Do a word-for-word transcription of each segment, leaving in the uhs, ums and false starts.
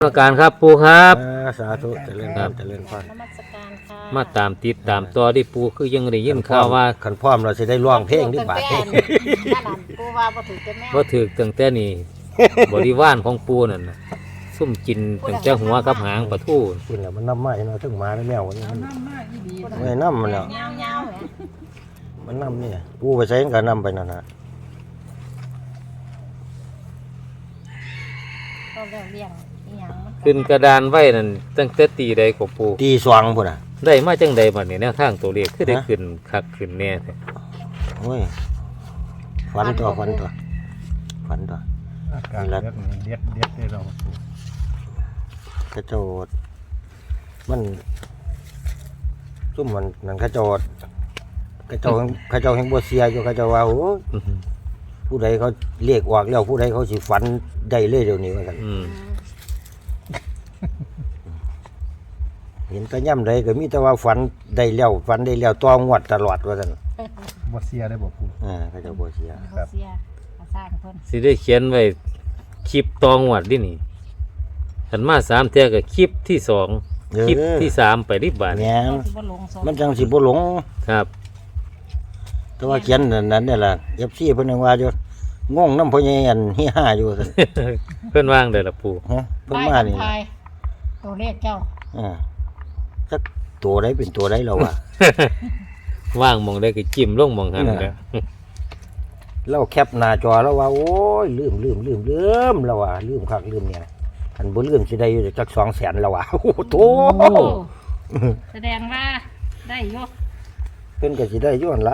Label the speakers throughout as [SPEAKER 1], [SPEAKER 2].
[SPEAKER 1] นมัสการครับปูครับ
[SPEAKER 2] อ่าสาธุเจริญพรเจริญพร
[SPEAKER 3] นมัสการค่ะ
[SPEAKER 1] มาตามติดตามต่อที่ปูคือยังได้ยินข่าวว่า
[SPEAKER 2] ขันพร้อมเราจะได้ร้องเพลงที่บาท
[SPEAKER 3] ตั้งแต่นั่นน่ะปูว่าบ่ถือแต่แม่
[SPEAKER 1] บ่ถือตั้งแต่นี้ บริวารของปูนั่นน่ะซุ่มกินตั้งแต่หัวกับหางปลาทู
[SPEAKER 2] คุณแหละมันน้ำมาเนาะถึงหมาแล้วแมวนี่มัน
[SPEAKER 3] น้ำมากอีดี
[SPEAKER 2] ไม่น้ำมันแล้ว
[SPEAKER 3] เงาเงาๆแหม
[SPEAKER 2] มันน้ำนี่ปูไปใช้กันน้ำไปนั่นนะ
[SPEAKER 3] ก็เรื่องเลี้ยงอีหยังมัน
[SPEAKER 1] ขึ้นกระดานไว้นั่นตั้งแต่ตีใดก็ปู
[SPEAKER 2] ตีสว่างพุ่นอ่ะ
[SPEAKER 1] ได้มาจังใดบัดนี้แนวทางตัวเลขคือได้ขึ้นคักขึ้นแน่แท้
[SPEAKER 2] โอ้ยฝันตัวฝันตัวฝันตัว
[SPEAKER 4] อาการเลือดนี่เด็ดเด็ดได้เรา
[SPEAKER 2] กระโจดมันซุ่มมันนั่นกระโจดกระโจดกระโจดแห่งบัวเสียอยู่กระโจดว่าโอ้
[SPEAKER 1] อื้อหือ
[SPEAKER 2] ผู้ใดเขาเรียกออกแล้วผู้ใดเขาสิฝันได้เลยเดี๋ยวนี้ว่ากัน
[SPEAKER 1] อืม
[SPEAKER 2] เห็นแต่ย่ำใดก็มีแต่ว่าฝันได้แล้วฝันได้แล้วต้องงวดตลอดว่าซั่น
[SPEAKER 4] บ่เสียได้บ่ปู
[SPEAKER 2] อ่าก็จะบ่เสีย
[SPEAKER 3] เขาเสียเขาสร้างเพิ่น
[SPEAKER 1] สิได้เขียนไว้คลิปตองวดดินี่ขันมาสามเท่ากับคลิปที่สองคลิปที่สามไปริบบาท
[SPEAKER 2] แม่น
[SPEAKER 3] เขาสิบ่ลงสม
[SPEAKER 2] มันจังสิบ่หลง
[SPEAKER 1] ครับ
[SPEAKER 2] แต่ว่าเขียนนั่นนั่นนี่ล่ะ เอฟ ซี เพิ่นยังว่าอยู่งงนำพ่อใหญ่อันเฮียห้าอยู่ซั่น
[SPEAKER 1] เพื่อนว่างเด้อละปู
[SPEAKER 2] ฮะเพิ่น
[SPEAKER 3] ป้าย
[SPEAKER 2] มานี่
[SPEAKER 3] ทายตัวเลขเจ้า
[SPEAKER 2] อ่าสักตัวใดเป็นตัวใดแล้ววะ
[SPEAKER 1] ว่างหมองได้ก็จิ้มลงหมองหันแล้ว
[SPEAKER 2] เราแคปหน้าจอแล้วว่าโอ้ยลืมลืมลืมลืมแล้วว่าลืมคักลืมเนี่ยคันบ่ลืมสิได้อยู่จัก สองแสนแล้วว่าโอ้โหโต
[SPEAKER 3] โอ้แสดงว่าได้อยก
[SPEAKER 2] เพิ่นก็สิได้อยู่หั่นล่ะ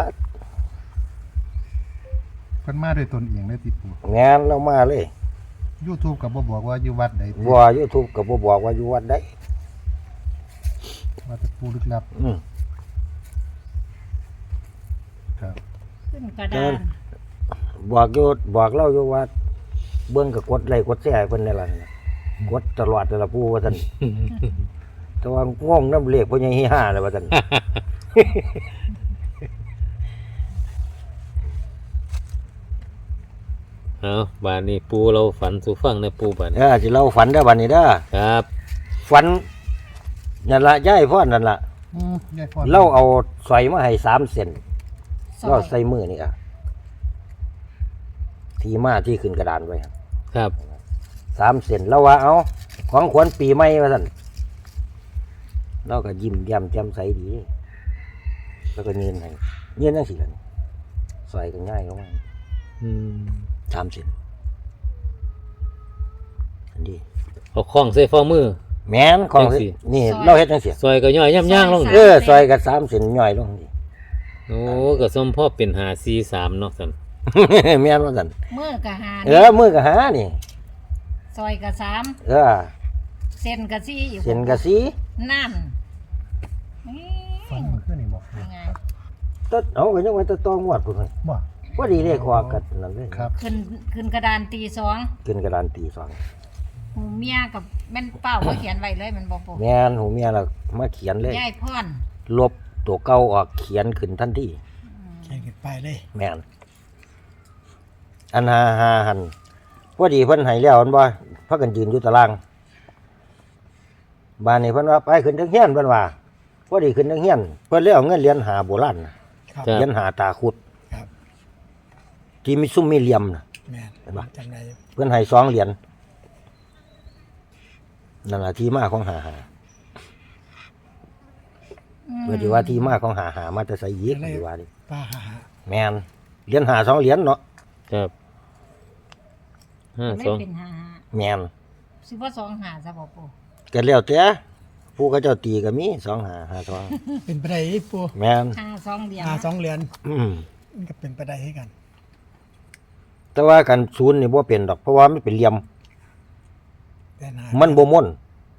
[SPEAKER 4] เพิ่นมาด้วยตนเองได้ติปู
[SPEAKER 2] งานเรามาเลย
[SPEAKER 4] YouTube ก็บ่บอกว่าอยู่วัดใดติ
[SPEAKER 2] บ่ YouTube ก็บ่บอกว่าอยู่วัดใด
[SPEAKER 4] ว่าแต่ปูลึกลับ
[SPEAKER 2] อืม
[SPEAKER 4] ครับ
[SPEAKER 3] ขึ้นกระดาน
[SPEAKER 2] บอกอยู่บอกเราอยู่ว่าเบิ่งก็กดไลค์กดแชร์ให้เพิ่นนี่ล่ะกดตลอดแต่ละผู้ว่าซั่น แต่ว่างงน้ำเลขพ่อใหญ่เฮียห้าเลยว่าซั่น
[SPEAKER 1] เอาบานนี้ปูเราฝันสู่ฟังในะปูบาน
[SPEAKER 2] เออสิเราฝันได้อบัดนี้เด้อ
[SPEAKER 1] ครับ
[SPEAKER 2] ฝันนั่นล่ะยายพ่อนั่นล่ะ
[SPEAKER 4] อืมยายพร
[SPEAKER 2] เราเอาสอยมาให้สามเส้น
[SPEAKER 3] ซอ
[SPEAKER 2] เรา
[SPEAKER 3] ย
[SPEAKER 2] ใส่มือนี่อ่ะที่มาที่ขึ้นกระดานไว้ครับ
[SPEAKER 1] ครับ
[SPEAKER 2] สามเส้นเราว่าเอาของขวัญปีใหม่ว่าซั่นเราก็ยิ้มแย้มแจ่มใสดี แล้วก็เงินให้เงินจังซี่ล่ะนี่สอยก็ง่ายเข้ามา
[SPEAKER 1] อืม
[SPEAKER 2] สามเส้นอันนี้
[SPEAKER 1] เอาคล้องใส่ฝ่ามือ
[SPEAKER 2] แม่นของ
[SPEAKER 1] จังสิ
[SPEAKER 2] นี่เราเฮ็ดจังซี่
[SPEAKER 1] ซอยก็ย่อยย่ำย่างลง
[SPEAKER 2] เออซอยกับสามเส้นย่อยลงนี่
[SPEAKER 1] โอ้ก็สมพ่อเป็นหาซีสามเนาะสัน
[SPEAKER 2] แม่นว่าซั่น
[SPEAKER 3] มือกะหา
[SPEAKER 2] เออมือก็หานี่
[SPEAKER 3] ซอยกะสาม
[SPEAKER 2] เออ
[SPEAKER 3] เส้นกะสี่อีก
[SPEAKER 2] เส้นก็สี
[SPEAKER 3] นั่นนี่
[SPEAKER 4] ฟังมันขึ้นนี่บอกปู
[SPEAKER 3] ยังไง
[SPEAKER 2] ตัดเอาก็ยังว่าแตะตองวดพุ่นเฮ้ย
[SPEAKER 4] บ่
[SPEAKER 2] ว่าดีเลขคอกันนั่นเลย
[SPEAKER 4] ครับ
[SPEAKER 3] ขึ้นขึ้นกระดานตีสอง
[SPEAKER 2] ขึ้นกระดานตีสอง
[SPEAKER 3] หูเมียกับแม่นเป้าก็เขียนไว้เลยมันบอกปู
[SPEAKER 2] แม่นหูเมียเรามาเขียนเลย
[SPEAKER 3] ยายพร
[SPEAKER 2] ลบตัวเก่าออกเขียนขึ้นทันที
[SPEAKER 4] เขียนขึ้นไปเลย
[SPEAKER 2] แม่นอันหาหาหันพอดีเพิ่นให้แล้วมันบ่พากันยืนอยู่ตารางบ้านนี้เพิ่นว่าไปขึ้นทางเฮียนเพิ่นว่าพอดีขึ้นทางเฮียนเพิ่นเลยเอาเงินเหรียญหาโบราณน่ะ
[SPEAKER 4] ครับ
[SPEAKER 1] ครั
[SPEAKER 2] เหรีย
[SPEAKER 1] บ
[SPEAKER 2] ญหาตาขุด
[SPEAKER 4] ครับ
[SPEAKER 2] ที่มีซุ้มมีเหลี่ยมน่ะ
[SPEAKER 4] แม่น
[SPEAKER 2] เห็นปะ
[SPEAKER 4] จังได๋
[SPEAKER 2] เพื่อนให้สองเหรียญนั่นแหละที่มาของหาหาเพื่อที่ว่าที่มาของหาหามาจะใส่ยีกดีว่าดิ
[SPEAKER 4] ป้าหาหา
[SPEAKER 2] แมนเหรียญหาสองเหรียญเนาะ
[SPEAKER 1] ครับห้า
[SPEAKER 3] ไม่
[SPEAKER 1] สอง
[SPEAKER 3] เป็นหา
[SPEAKER 2] แมน
[SPEAKER 3] สิว่าสองหาซะบอกปู
[SPEAKER 2] กันแล้วแต่ผู้เขาเจ้าตีก็มีสองหาหาสอง
[SPEAKER 4] เป็นไปได้ปู
[SPEAKER 2] แมน
[SPEAKER 3] หาสองเดียว
[SPEAKER 4] หาสองเหรียญ
[SPEAKER 2] อืม
[SPEAKER 4] มันก็เป็นไปได้ให้กัน
[SPEAKER 2] แต่ว่ากันศูนย์นี่บ่เป็นดอกเพราะว่ามันเป็นเหลี่ยม
[SPEAKER 4] แต่หา
[SPEAKER 2] มันบ่ม่น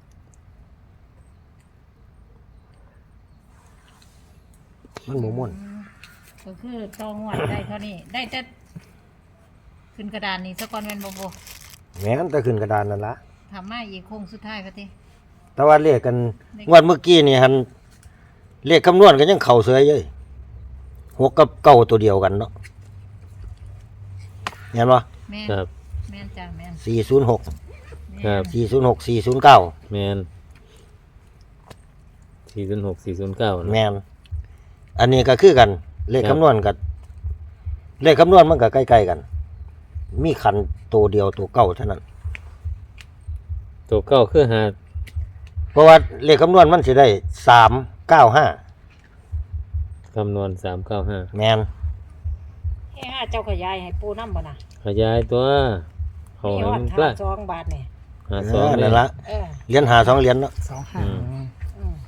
[SPEAKER 2] มันบ่ม่น
[SPEAKER 3] ก็คือตองวัดได้เท่านี้ ได้แต่ขึ้นกระดานนี้สะก่อนแม่นบ่ปู
[SPEAKER 2] แม่นแต่ขึ้นกระดานนั่นละ
[SPEAKER 3] ทำมาอีกโค้งสุดท้ายก็ติ
[SPEAKER 2] แต่ว่าเลขกันงวดเมื่อกี้นี่หันเลขคำนวณกันยังเข่าเสยเลยหกกับเก้าตัวเดียวกันเนาะเห็นปะ
[SPEAKER 3] แม่น
[SPEAKER 1] ครับ
[SPEAKER 3] แม่นจ้าแม่น
[SPEAKER 2] สี่ศูนย์หก
[SPEAKER 3] แม่
[SPEAKER 1] ครับ
[SPEAKER 2] สี่ศูนย์หก สี่ศูนย์เก้า
[SPEAKER 1] แมนสี่ศูนย์หกสี่ศูนย์เก้า
[SPEAKER 2] แม่นอันนี้ก็คือกัน เลขคำนวณกับเลขคำนวณมันก็ใกล้ๆกัน มีคันตัวเดียวตัวเก่าเท่านั้น
[SPEAKER 1] ตัวเก้าคือหา
[SPEAKER 2] เพราะว่าเลขคำนวณมันสิได้สามเก้าห้า
[SPEAKER 1] คำนวณสามเก้าห้า
[SPEAKER 2] แม่น
[SPEAKER 3] เฮ้ห้าเจ้าขยายให้ปูน้ำบ่น่ะ
[SPEAKER 1] ขยายตัวเขา
[SPEAKER 3] มี
[SPEAKER 1] ให้
[SPEAKER 3] ฮอ
[SPEAKER 1] มั
[SPEAKER 3] ด
[SPEAKER 1] น
[SPEAKER 3] ห้า
[SPEAKER 1] ใกล้
[SPEAKER 3] สองบาทนี่
[SPEAKER 1] หา
[SPEAKER 2] เอ
[SPEAKER 1] สอง
[SPEAKER 2] อ
[SPEAKER 1] เล
[SPEAKER 2] นั่
[SPEAKER 1] ย
[SPEAKER 2] นละ
[SPEAKER 3] เออ
[SPEAKER 2] เหรียญหาสองเหรียญเนาะ
[SPEAKER 4] สองห้า
[SPEAKER 1] อืม
[SPEAKER 3] อืม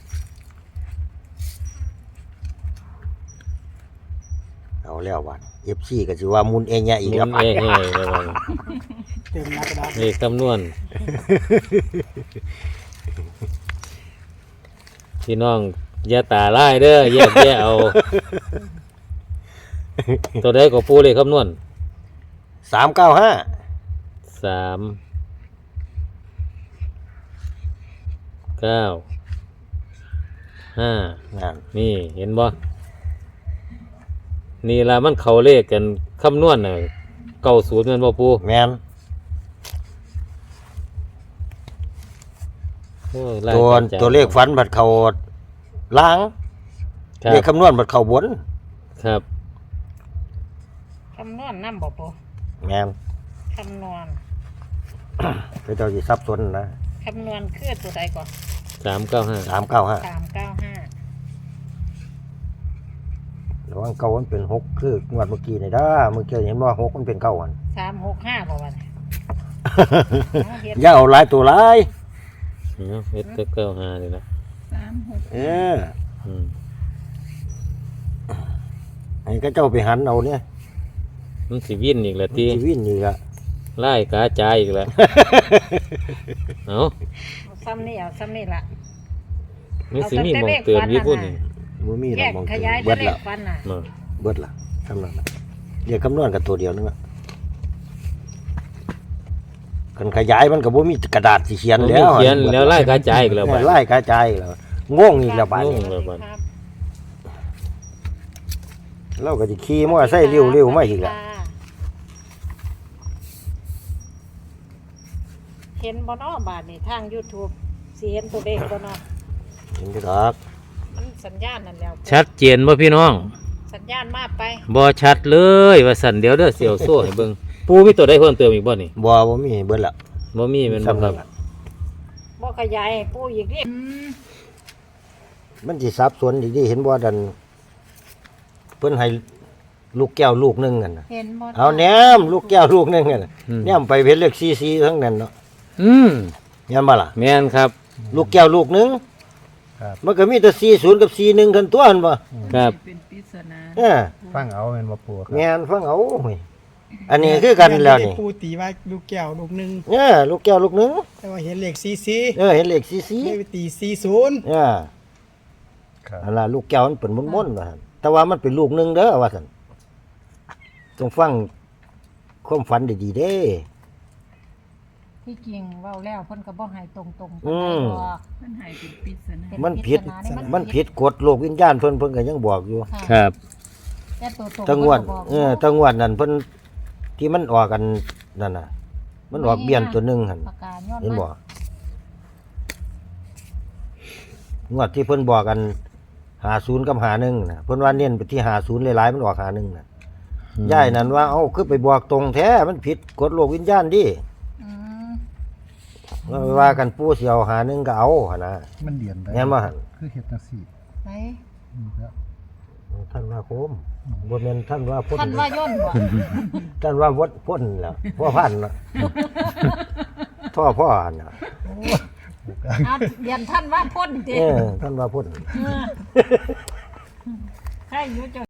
[SPEAKER 2] เอาแล้ววันเอฟซีก็สิว่ามุนเองเนี่ยอีก
[SPEAKER 1] หมุ
[SPEAKER 2] แล้ว
[SPEAKER 1] นเอ้ยเฮ้ยเลยว่า
[SPEAKER 4] เต็มหน้ากระดาษ
[SPEAKER 1] เลขคำนวณพี่น้องอย่าตาไล่เด้อแยกแยะเอา ตัวใดก็ปูเลขคำนวณ
[SPEAKER 2] สามเก้าห้า
[SPEAKER 1] สามเก้าห้า
[SPEAKER 2] นั่น
[SPEAKER 1] นี่เห็นบ่นี่ละมันเขาเลขกันคำนวณน่ะเก้าศูนย์แมันบ่ปู
[SPEAKER 2] แม่น
[SPEAKER 1] โอ้ยไล่
[SPEAKER 2] ตัว
[SPEAKER 1] กันจ้ะ
[SPEAKER 2] ตัวเลขฝันบัดเขาล้าง
[SPEAKER 1] ครั
[SPEAKER 2] เล
[SPEAKER 1] บ
[SPEAKER 2] ขคำนวณบัดเขาบน
[SPEAKER 1] ครับ
[SPEAKER 3] คำนวณน้ำบ่ปู
[SPEAKER 2] แม่น
[SPEAKER 3] คำนวณ
[SPEAKER 2] ไปเจ้าสิซับซ้อนนะ
[SPEAKER 3] คำนวณคือตัวใดก่อน
[SPEAKER 1] สามเก้าห้า
[SPEAKER 2] สามเก้าห้า
[SPEAKER 3] สามเก้าห้า
[SPEAKER 2] ระวังเก้ามันเป็นหกคืองวดเมื่อกี้นี่ด้าเมื่อกี้เห็นว่าหกมันเป็นเก้าอัน
[SPEAKER 3] สามหกห้าบ่วันนี้เอาเฮ็ด
[SPEAKER 2] อย่าเอาหลายตัวหลาย
[SPEAKER 1] เนาะเฮ็ดแต่เก้าห้านี่นะ
[SPEAKER 3] สามหก
[SPEAKER 2] เออ
[SPEAKER 1] อืม
[SPEAKER 2] ให้ก็เจ้าไปหันเอาเนี่ย
[SPEAKER 1] มันสิวินอีกแล้ว
[SPEAKER 2] มัน
[SPEAKER 1] ติ
[SPEAKER 2] สิวิ่นนี่ละ
[SPEAKER 1] ไล่กาจายอีกแล้ว เอ้า
[SPEAKER 3] เอาซ้ำนี่เอาซ้ำนี่ละ
[SPEAKER 1] มันสิมีหมองเตือนอยู่พุ่นนี่
[SPEAKER 2] บ่มีหร
[SPEAKER 3] แย
[SPEAKER 2] อก
[SPEAKER 3] ก
[SPEAKER 2] มอง
[SPEAKER 3] ข
[SPEAKER 2] เห็น
[SPEAKER 3] ยาย
[SPEAKER 2] เบิ
[SPEAKER 3] ตัว
[SPEAKER 2] ด
[SPEAKER 3] เล
[SPEAKER 2] ละ
[SPEAKER 3] ขฟันน่ะ
[SPEAKER 1] มา
[SPEAKER 2] เบิดละทำนั้นละเรียกคำนวณกับตัวเดียวนึงอะกันขยายมันก็บ่มีกระดาษสิเขียน
[SPEAKER 1] มัน
[SPEAKER 2] แล้
[SPEAKER 1] มี
[SPEAKER 2] ว
[SPEAKER 1] เขียนแล้วไล่กาจายอีกแล้วบัด
[SPEAKER 2] ไล่กระจายอีกแล้วงงอีกแล้วบาด
[SPEAKER 1] ง
[SPEAKER 2] นี้
[SPEAKER 1] ง แล้วบัด
[SPEAKER 3] ครับ
[SPEAKER 2] เราก็สิขี่มอเตอร์ไซค์เร็วๆมาอีกแล้ว
[SPEAKER 3] เห็นบ่เนาะบาทนี่ทาง YouTube สิเห็นตัวเลขบ่เนาะ
[SPEAKER 2] เห็นดอก
[SPEAKER 3] มันสัญญาณนั่นแล้ว
[SPEAKER 1] ชัดเจนบ่พี่น้อง
[SPEAKER 3] สัญญาณมาไป
[SPEAKER 1] บ่ชัดเลยว่าสั่นเดี๋ยวเด้อเสียวโซ่ให้เบิ่งปูมีตัวใดเพิ่มเติมอีกบ่นี่
[SPEAKER 2] บ่บ่มีเบิดละ
[SPEAKER 1] บ่มีแม่นบ่ครับ
[SPEAKER 3] บ่ขยายให้ปูอีกดิ
[SPEAKER 2] มันสิสับสนอีกดิเห็นบ่ดันเพิ่นให้ลูกแก้วลูกหนึงกันน่ะ
[SPEAKER 3] เห็นบ่
[SPEAKER 2] เอาแหนมลูกแก้วลูกหนึงกันน่ะ
[SPEAKER 1] อืม
[SPEAKER 2] แหนมไปเพชรเลขซีซีทั้งนั้นเนาะ
[SPEAKER 1] อืม
[SPEAKER 2] เห็นบ่ล่ะ
[SPEAKER 1] แม่นครับ
[SPEAKER 2] ลูกแก้วลูกหนึงมันก็มีแต่สี่ศูนย์กับสี่หนึ่งกันตัวหั่นบ่
[SPEAKER 1] ครับ
[SPEAKER 3] เป็นปริศนา
[SPEAKER 2] เออ
[SPEAKER 5] ฟังเอาเป็นบ่ปูครับ
[SPEAKER 2] แม่นฟังเอาเว้ยอันนี้คือกันแล้วนี่
[SPEAKER 4] ปูตีว่าลูกแก้วลูกหนึ่ง
[SPEAKER 2] เออลูกแก้วลูกหนึง
[SPEAKER 4] แต่ว่าเห็นเลขซีซี
[SPEAKER 2] เออเห็นเลขซีซี
[SPEAKER 4] ไม่ไปตีซีศูนย์
[SPEAKER 2] เออ
[SPEAKER 5] ครับ
[SPEAKER 2] อันล่ะลูกแก้วมันเป็นม้วนๆว่าซั่นแต่ว่ามันเป็นลูกหนึงเด้อว่าซั่นต้องฟังความฝันดีๆเด้
[SPEAKER 3] ที่จริงเว้าแล้วเพิ่นก็บ่ให้ตรงๆ
[SPEAKER 2] อืม
[SPEAKER 3] เพิ่นให้เป็นปริศนา
[SPEAKER 2] มันผิดมันผิดกฎโลกวิญญาณเพิ่นเพิ่นก็ยังบอกอยู่
[SPEAKER 1] ครับ
[SPEAKER 3] แต่ตัวตรง
[SPEAKER 2] ตั้งงวด
[SPEAKER 3] พิ่นก็บอก
[SPEAKER 2] เออตั้งงวดนั่นเพิ่นที่มันออกกันนั่นน่ะ มันออกเบี้ยนตัวหนึงหั่น
[SPEAKER 3] ปากกาย้อน
[SPEAKER 2] เห็นบ่
[SPEAKER 3] มาง
[SPEAKER 2] วดที่เพิ่นบอกกันหาศูนย์กับหาหนึ่งน่ะเพิ่นว่าเน้นไปที่หาศูนย์หลายๆมันออกหาหนึ่งน่ะย่ายนั่นว่าเอ้าคือไปบอกตรงแท้มันผิดกฎโลกวิญญาณดิ
[SPEAKER 3] อืม
[SPEAKER 2] ว่าว่ากันปู่สิเอาหาหนึ่งก็เอาหั่นน่ะ
[SPEAKER 5] มันเดียนได้
[SPEAKER 2] แม่นบ่หั่น
[SPEAKER 5] คือเฮ็ดจังซี่
[SPEAKER 3] ไหน
[SPEAKER 5] อืมครับ
[SPEAKER 2] ท่านว่าโคมบ่แม่นท่านว่าพ่น
[SPEAKER 3] ท่านว่าย่นบ่
[SPEAKER 2] ท่านว่าวัดพ่นล่ะพ่อพันน่ะพ่อพ่อหั่นน่ะ
[SPEAKER 3] เอาเรียนท่านว่าพ่นติ
[SPEAKER 2] เออท่านว่าพ่น
[SPEAKER 3] เออให้อยู่จ